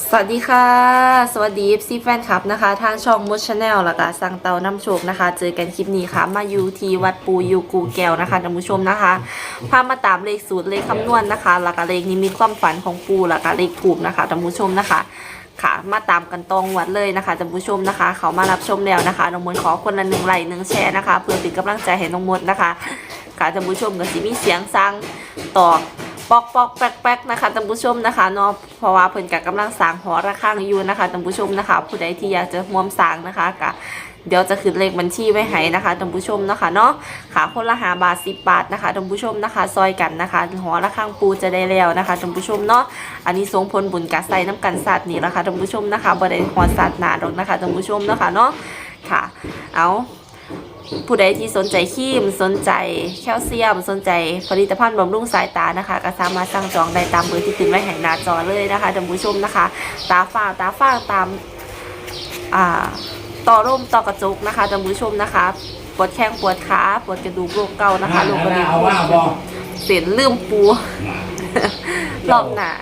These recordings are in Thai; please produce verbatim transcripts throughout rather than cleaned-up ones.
สวัสดีค่ะสวัสดี เอฟ ซี แฟนคลับนะคะทางช่องมุชชาแนลแล้วก็สั่งเตาน้ำโชคนะคะเจอกันคลิปนี้ค่ะมาอยู่ที่วัดปูยูกูแก้วนะคะท่านผู้ชมนะคะพามาตามเลขสูตรเลขคำนวณนะคะแล้วก็เลขนี้มีความฝันของปูแล้วก็เลขถูกนะคะท่านผู้ชมนะคะค่ะมาตามกันตรงวัดเลยนะคะท่านผู้ชมนะคะเขามารับชมแล้วนะคะน้องมดขอคนละหนึ่งไลค์หนึ่งแชร์นะคะเพื่อเป็นกำลังใจให้น้องมดนะคะค่ะท่านผู้ชมก็สิมีเสียงสั่งต่อปอกปอกแป๊กแป๊กนะคะท่านผู้ชมนะคะเนาะเพราะว่าเพิ่นกับกำลังสร้างหอระฆังอยู่นะคะท่านผู้ชมนะคะผู้ใดที่อยากจะร่วมสร้างนะคะกะเดี๋ยวจะขึ้นเลขบัญชีไว้ให้นะคะท่านผู้ชมนะคะเนาะค่ะคนละห้าบาทสิบบาทนะคะท่านผู้ชมนะคะซอยกันนะคะหอระฆังปูจะได้แล้วนะคะท่านผู้ชมเนาะอันนี้ทรงผลบุญกะใส่น้ำกันสัตว์นี่แหละค่ะท่านผู้ชมนะคะบ่ได้หอสัตว์หนาดอกนะคะท่านผู้ชมเนาะค่ะเนาะค่ะเอาผู้ใดที่สนใจครีมสนใจแคลเซียมสนใจผลิตภัณฑ์บำรุงสายตานะคะก็สามารถสั่งจองได้ตามเบอร์ที่ขึ้นไว้ให้หน้าจอเลยนะคะท่านผู้ชมนะคะตาฝ้าตาฝ้าตามอ่าต่อร่มต่อกระจกนะคะท่านผู้ชมนะคะปวดแข้งปวดขาปวดกระดูกโรคเก่านะคะโรคกระดูกเสียนลืมปูรอบหน้า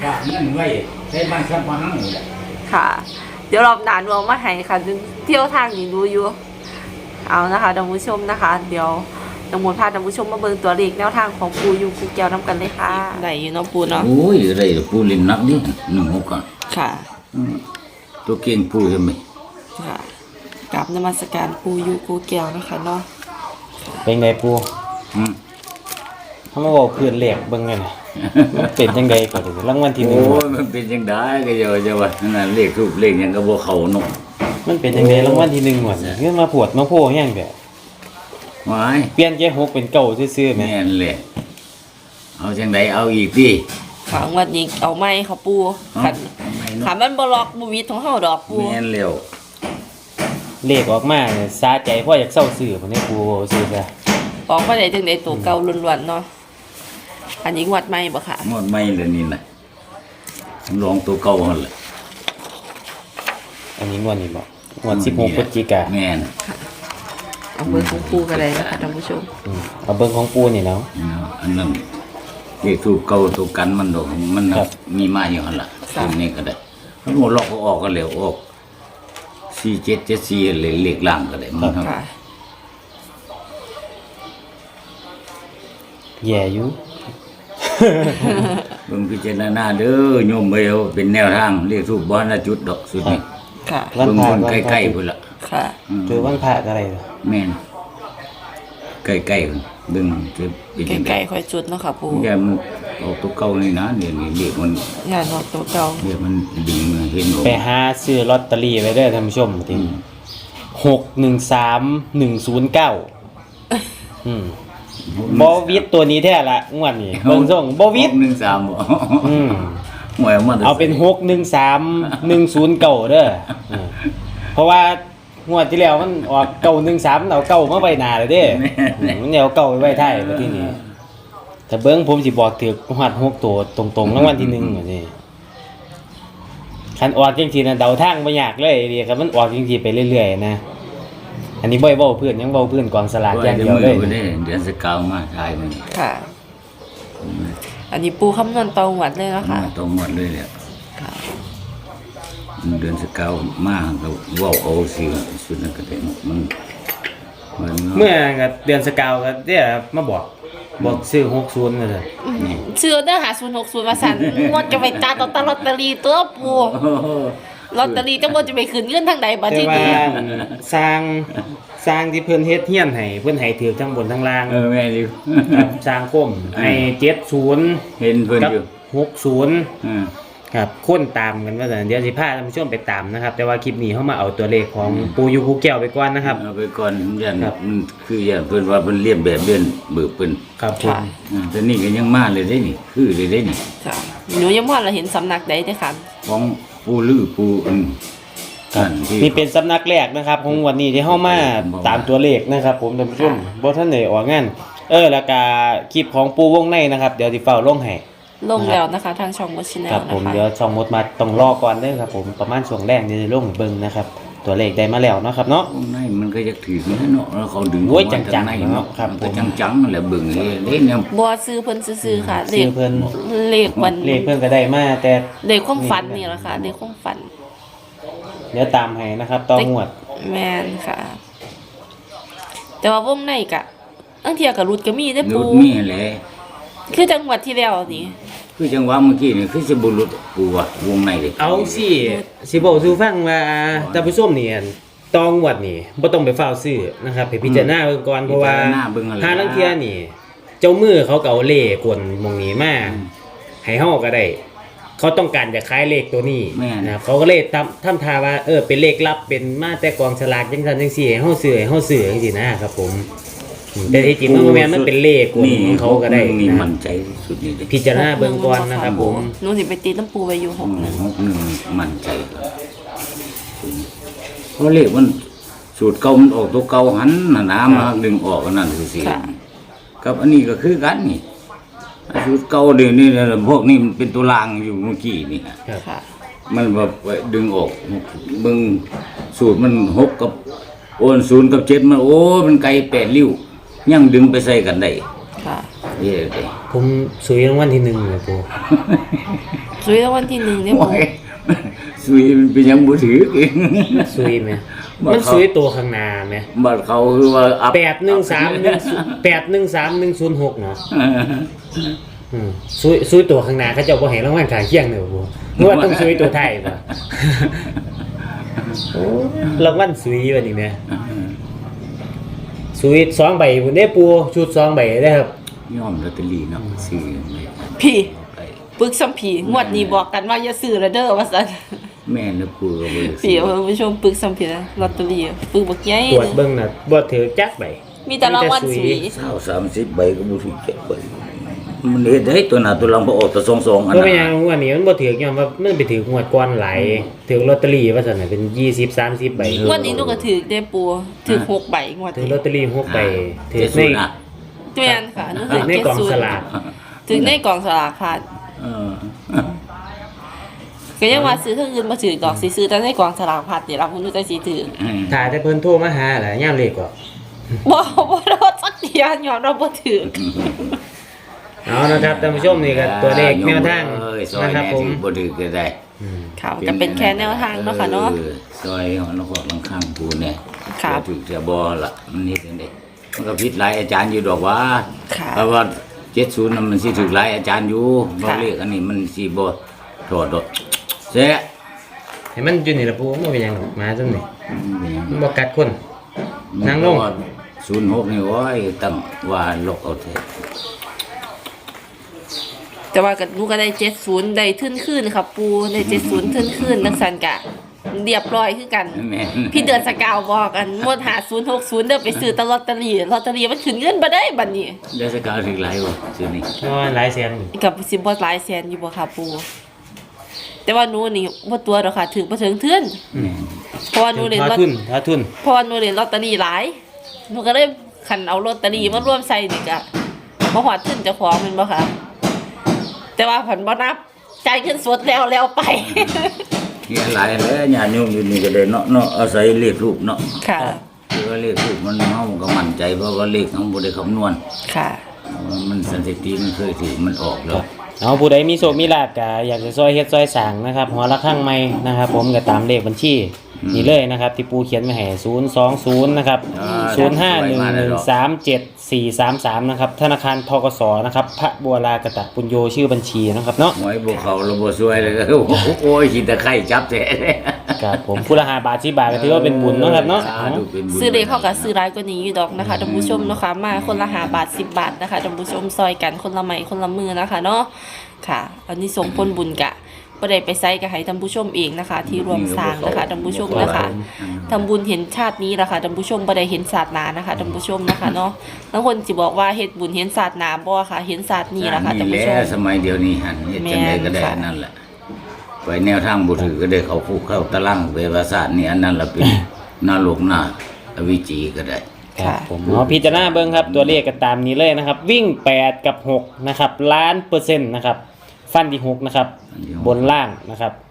ค่ะเดี๋ยวรอบหน้าหนูเอามาให้ค่ะเที่ยวทางนี้ดูอยู่เอานะคะท่านผู้ชมนะคะเดี๋ยวน้องมดพาท่านผู้ชมมาเบิ่งตัวเลขแนวทางของปูยูกูแก้วน้ำกันเลยค่ะได้อยู่เนาะปูเนาะโอ้ยได้ปูเล่นนักดิหนึ่งหกอ่ะค่ะตัวเก่งปูใช่ไหมค่ะกราบนมัสการปูยูกูแก้วนะคะเนาะเป็นไงปูอืมเขามาบอกเพื่อนเหล็กเบิ่งไงน่ะมันเป็นจังได๋ก็ได้รางวัลที่หนึ่งโอ้ยมันเป็นจังได๋ก็อย่าจะว่านั่นเลขรูปเลขหยังก็บ่เข้าเนาะมันเป็นจังได๋รางวัลที่หนึ่งหมดเงินมาปวดมาโพแฮงแบบหวายเปลี่ยนแค่หกเป็นเก้าซื่อๆแม่แม่นแหละเอาจังได๋เอาอีกติค่ะงวดนี้เอาใหม่ค่ะปูคันคันมันบ่ล็อกบ่วิดของเฮาดอกปูแม่นแล้วเลขออกมาเนี่ยสาใจพ่ออยากเซาซื้อพุ่นนี่ปูซื้อซะออกมาได้จังได๋ตัวเก่าล้วนๆเนาะอันนี้งวดใหม่บ่ค่ะงวดใหม่เลยนี่น่ะลองตัวเก่าหั่นแหละอันนี้งวดนี้บ่งวดสิบหกพฤศจิกายนแม่นเอาเบอร์ของปูก็ได้นะคะท่านผู้ชมเอาเบอร์ของปูนี่แล้วอันนั้นเลขรูปเก่าตัวกันมันดอกมันมีมาอยู่หั่นล่ะตัวนี้ก็ได้มันบ่ล็อกออกก็แล้วออกสี่เจ็ดเจ็ดสี่เลยเลขล่างก็ได้มันค่ะแย่อยู่เบิ่งพิจารณาเด้อโยมเอ้ยเป็นแนวทางเรียกรูปบ่นะจุดดอกสุดนี่ค่ะเบิ่งคนใกล้ๆพุ่นล่ะค่ะเจอวันพระอะไรแม่นใกล้ๆพุ่นเบิ่งจะเป็นจังได๋ใกล้ๆค่อยจุดเนาะค่ะปู่อย่ามันออกตัวเก่านี่นะเดี๋ยวนี้เลขมันอย่าออกตัวเก่าเดี๋ยวมันดึงเห็นบ่ไปหาซื้อลอตเตอรี่ไว้เด้อท่านผู้ชมติหก หนึ่ง สาม หนึ่ง ศูนย์ เก้าอืมบ่วิทตัวนี้แท้ละงวดนี้เบิ่งส่งบ่วิทหนึ่งสามบ่อืมหวยมาเอาเป็นหก หนึ่ง สาม หนึ่ง ศูนย์ เก้าเด้อเพราะว่างวดที่แล้วมันออกเก้า หนึ่ง สามเอาเก้ามาไว้หน้าเลยเด้มันเอาเก้าไว้ท้ายบัดทีนี้ถ้าเบิ่งผมสิบอกถูกฮอดหกตัวตรงๆรางวัลที่หนึ่งบัดนี้คันออกจังซี่น่ะเดาทางบ่ยากเลยเด้ครับมันออกจังซี่ไปเรื่อยๆนะอันนี้บ่อยเว้าเพื่อนยังเว้าเพื่อนกองสลากอย่างเดียวเลยเดือนสิบเก้ามาทายมันค่ะอันนี้ปูคำนวณตรงหมดเลยนะคะตรงหมดเลยแหละค่ะเดือนสิบเก้ามาก็เว้าเอาสิสุดนั้นก็ได้มันเมื่อก็เดือนสิบเก้าก็เด้อมาบอกบอกซื้อหกสิบนั่นแหละซื้อเด้อหาศูนย์หกศูนย์มาสั่นงวดจะไปจ่ายต่อลอตเตอรี่ตัวปูลอตเตอรี่จังบ่จะไปขึ้นเงินทางใดบัดทีนี้สร้างสร้างที่เพิ่นเฮ็ดเฮียนให้เพิ่นให้ถือทั้งบนทั้งล่างเออแม่อยู่สร้างก้มให้เจ็ดสิบเห็นเพิ่นอยู่หกสิบอือครับคนตามกันว่าซั่นเดี๋ยวสิพาท่านผู้ชมไปตามนะครับแต่ว่าคลิปนี้เฮามาเอาตัวเลขของปู่อยู่ภูแก้วไปก่อนนะครับเอาไปก่อนยันมันคืออย่างเพิ่นว่าเพิ่นเรียนแบบเรียนเบิกเพิ่นครับผมอือแต่นี่ก็ยังมาเลยได้นี่คือเลยได้นี่ค่ะหนูยังว่าเราเห็นสำนักใดเด้อค่ะของปูลือปูอันนี่เป็นสำนักแรกนะครับของวันนี้ที่เฮามาตามตัวเลขนะครับผมท่านผู้ชมบ่ทันได้ออกงานเออแล้วก็คลิปของปูวงในนะครับเดี๋ยวสิเฝ้าลงให้ลงแล้วนะคะทางช่องมดชแนลนะคะครับผมเดี๋ยวช่องมดมาต้องรอก่อนเด้อครับผมประมาณช่วงแรกนี่จะลงเบิ่งนะครับตตัวเลขได้มาแล้วเนาะครับเนาะวงในมันก็จะถือนะเนาะแล้วเขาดึงโอ้ยออกมาจังๆในเนาะครับมันก็ผมจังๆนั่นแหละเบิ่งเลยเด้เนี่ยบ่ซื้อเพิ่นซื่อๆค่ะเลซื้ขอเพิ่นเลขวันเลขเพิ่นก็ได้มาแต่เลขความฝันนี่แหละค่ะเลขความฝันเดี๋ยวตามให้นะครับต่องวดแม่นค่ะ แต่ว่าวงในกะอังเทียกับรุดก็มีได้อนุปูดมีแหละคือจังหวัดที่แล้วนี่คือจังหวะเมื่อกี้นี่คือสิบ่หลุดปูว่ะวงในเลยเอาสิสิบอกสู่ฟังว่าท่านผู้ชมนี่ต่องวดนี่บ่ต้องไปเฝ้าวซื้อนะครับให้พิจารณาเบิ่งก่อนเพราะว่าพิจารณาเบิ่งอะไรถ้าลางเที่ยนี่ เจ้ามือเขาก็เอาเลขกวนหมองนี้มาให้เฮาก็ได้ เขาต้องการจะขายเลขตัวนี้แม่นนะครับเขาก็เลยทำทำท่าว่าเออเป็นเลขลับเป็นมาแต่กองฉลากจังซั่นจังซี่ให้เฮาซื้อให้เฮาซื้อจังซี่นะครับผมอืมแต่ที่จริงมันบ่แม่นมันเป็นเลขกวนของเขาก็ได้นี่นะมั่นใจที่สุดนี่เด้พิจารณาเบิ่งก่อนนะครับผมหนูสิไปตีน้ำปูไว้อยู่หกหนึงหกหนึ่งมั่นใจครับเพราะเลขมันสูตรเก่ามันออกตัวเก่าหันน่ะนะมาดึงออกอันนั่นคือสิกับอันนี้ก็คือกันนี่สูตรเก่าเดี๋ยวนี้นะพวกนี้มันเป็นตัวรางอยู่เมื่อกี้นี่ฮะครับค่ะมันแบบดึงออกมึงสูตรมันหกกับโอนศูนย์กับเจ็ดมันโอ้มันไกลแปดริ้วยังดึงไปใส่กันได้ค่ะเย้เลยผมสุยรางวัลที่หนึ่งเลยปูซื้อรางวัลที่หนึ่งเนี่ยโอ้ปูยสุยมันเป็นยังบ่ถือเองสุยไหมมันสุยตัวข้างหน้าไหมบัดเขาคือว่าอัพแปดหนึ่งสามหนึ่งแปดหนึ่งสามหนึ่งศูนย์หกเนาะอืมซุยซุยตัวข้างหน้าเขาเจ้าบ่ให้รางวัลขางเคียงเด้อบ่นึกว่าต้องซุยตัวไทยบ่โอ้รางวัลซุยบัดนี้แหมซุยสองใบพุ่นเด้ปูชุดสองใบเด้อครับยอมลอตเตอรี่เนาะซื้อไม่พี่ไปปึกซ้ำผีงวดนี้บอกกันว่าอย่าซื้อละเด้อว่าซั่นแม่นปูก็บ่ได้พี่ซื้อเพิ่นผู้ชมปึกซ้ำผีนะลอตเตอรี่ปึกบักใหญ่ตรวจเบิ่งน่ะบ่ถือจักใบมีแต่รางวัลสีเศร้าสามสิบใบก็บ่ถูกเจ็ดใบมันเฮ็ดได้ตัวหน้าตัวหลังบ่ออกตัวสองๆอันบ่นั้เป็นนหยังงวดนี้มันบ่ถือกย้อนว่ามันไปถืองวดก่อนหลายถือลอตเตอรี่ว่าซั่นน่ะเป็นยี่สิบ สามสิบใบงวดนี้หนูก็ถือได้ปูถือหกใบงวดถือนี้ลอตเตอรี่หกใบถือเจ็ดในศูนย์อ่ะแม่นค่ะหนูถือในเจ็ดกล่องศูนสย์ลากถือในกล่องสลากค่ะเออก็ยังว่าซื้อเท่าอื่นมาถือดอกสิซื้อแต่ในกล่องสลากพัดเดี๋ยวเราคุณดูใจสีถือถ้าแต่เพิ่นโทรมาหาล่ะยามเลขก็บ่บ่รอดสักเดียวยอมเราบ่ถือเอานะครับท่านผู้ชมนี่ก็ตัวเลขแนวทางเอ้ยซอยนะครับแน่ผมที่บ่ถือก็ได้ค่ะจะเป็นแค่แนวทางเนาะค่ะเนาะออซอยของนครลังข้างปูเนี่ยครับถือจะบ่ล่ะมันนี่จังได๋มันก็ผิดหลายอาจารย์อยู่ดอกว่าค่ะเพราะว่าเจ็ดสิบน่ะมันสิถือหลายอาจารย์อยู่บ่ค่ะเลขอันนี้มันสิบ่ถอดดอกแซ่ให้มันอยู่นี่ละปูบ่เป็นหยังหรอกมาจังนี่มันบ่กัดคน นั่งลงศูนย์หกนี่โอ้ยตั้งว่าลกเอาเถอะแต่ว่าก็หนูก็ได้เจ็ดศูนย์ได้ทึ้นขึ้นค่ะปูได้เจ็ดศูนย์ทึ้นขึ้นนักสันกะเรียบร้อยคือกันแม่นพี่เดือนสกาวบอกกันหมดหาศูนย์หกศูนย์เด้อไปซื้อตลอตเตอรี่ลอตเตอรี่มันขึ้นเงินบ่ได้บัดนี้ได้สกาวถึงหลายบ่ซื่อนี่น้อยหลายแสนอยู่กับสิบ่หลายแสนอยู่บ่ค่ะปูแต่ว่าหนูนี่บ่ตัวดอกค่ะถึงบ่ถึงเทื่อนอืมเพราะว่าหนูเล่นหาลอตทุนหาทุนเพราะว่าหนูเล่นลอตเตอรี่หลายหนูก็เลยคันเอาลอตเตอรี่มาร่วมใส่นี่ก็บ่ฮอดทุนเจ้าของแม่นบ่ค่ะแต่ว่าผันบ่นับจ่ายเงินสดแล้วแล้วไปเฮียหลายแล้วญาติโยมอยู่นี่ก็ได้เนาะเนาะอาศัยเลขรูปเนาะค่ะคือว่าเลขรูปมันเฮาก็มั่นใจเพราะว่าเลขเฮาบ่ได้คำนวณค่ะมันสถิติมันเคยถือมันออกแล้วเอาผู้ใดมีโชคมีลาภก็อยากจะซอยเฮ็ดซอยสร้างนะครับหัวละข้างใหม่นะครับ ผมก็ตามเลขบัญชีนี่เลยนะครับ ที่ปูเขียนไว้ให้ศูนย์ สอง ศูนย์นะครับอ่าศูนย์ ห้า หนึ่ง หนึ่ง สาม เจ็ด สี่ สาม สามนะครับธนาคารธกสนะครับพระบัวลากตะปุญโญชื่อบัญชีนะครับเนาะหวยบ่เข้าระบ่ช่วยเลยก็โอ้ยคิดแต่ไข่จับแท้ครับผมผู้ละห้าบาทสิบบาทก็ถือว่าเป็นบุญเนาะครับเนาะสธุเป็นบุญซื้อเลขเข้ากับซื้อร้ายกว่านี้อยู่ดอกนะคะท่านผู้ชมเนาะคะมาคนละห้าบาทสิบบาทนะคะท่านผู้ชมซอยกันคนละไม้คนละมือนะคะเนาะค่ะอันนี้ส่งผลบุญกะบ่ได้ไปไซกับให้ท่านผู้ชมเองนะคะ ที่รวมสร้างนะคะท่านผู้ชมนะคะทำบุญเห็นชาตินี้ละค่ะท่านผู้ชมบ่ได้เห็นศาสนานะคะท่านผู้ชมนะคะเนาะบางคนสิบอกว่าเฮ็ดบุญเห็นศาสนาบ่ค่ะเห็นศาสตร์นี้ละค่ะท่านผู้ชมแหละสมัยเดียวนี้หันเฮ็ดจังไดก็ได้แม่นค่ะนั่นแหละไปแนวทางบ่ถือก็ได้เขาคุกเข้าตารางเวรศาสตร์นี่อันนั้นล่ะเป็นนรกนาอวิจีก็ได้ครับผมเอาพิจารณาเบิ่งครับตัวเลขก็ตามนี้เลยนะครับ วิ่งแปดกับหกนะครับล้านเปอร์เซ็นต์นะครับฟันที่หกนะครับ บนล่างนะครับ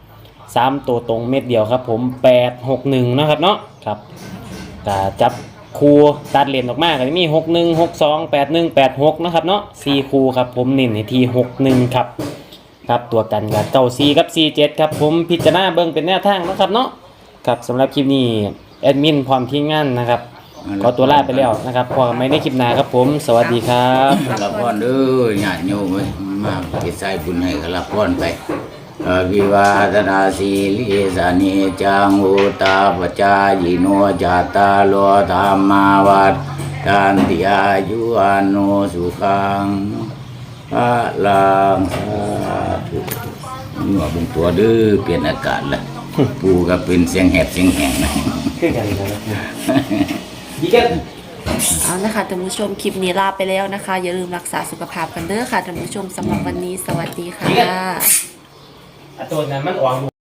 สามตัวตรงเม็ดเดียวครับผมแปดหกหนึ่งนะครับเนาะครับก็จับคูตัดเลนออกมาก็จะมีหกหนึ่ง หกสอง แปดหนึ่ง แปดหกนะครับเนาะสี่คูครับผมเน้นในที่หกหนึ่งครับครับตัวกันกับเก้าสี่กับสี่เจ็ดครับผมพิจารณาเบิ่งเป็นแนวทางนะครับเนาะครับสำหรับคลิปนี้แอดมินพร้อมทีมงานนะครับขอตัวลาไปแล้วนะครับพอกันไม่ได้คลิปหน้าครับผมสวัสดีครับรับพรเด้อญาติโยมเอ้ยมาเฮ็ดใส่บุญให้ก็รับพรไปอภิวาทนาสีลิสานิจังอุตตาปจายโนจัตตาโลธรรมาวัฏทานติอายุอาโนสุขังพระลังสาธุนี่ว่าเป็นตัวเด้อเปลี่ยนอากาศละปูก็เป็นเสียงแหบเสียงแหงนะขึ้นกันเลยนะดีกันเอานะคะท่านผู้ชมคลิปนี้ลาไปแล้วนะคะ อย่าลืมรักษาสุขภาพกันเด้อค่ะท่านผู้ชมสำหรับวันนี้สวัสดีค่ะตัวนั้นมันอ่อน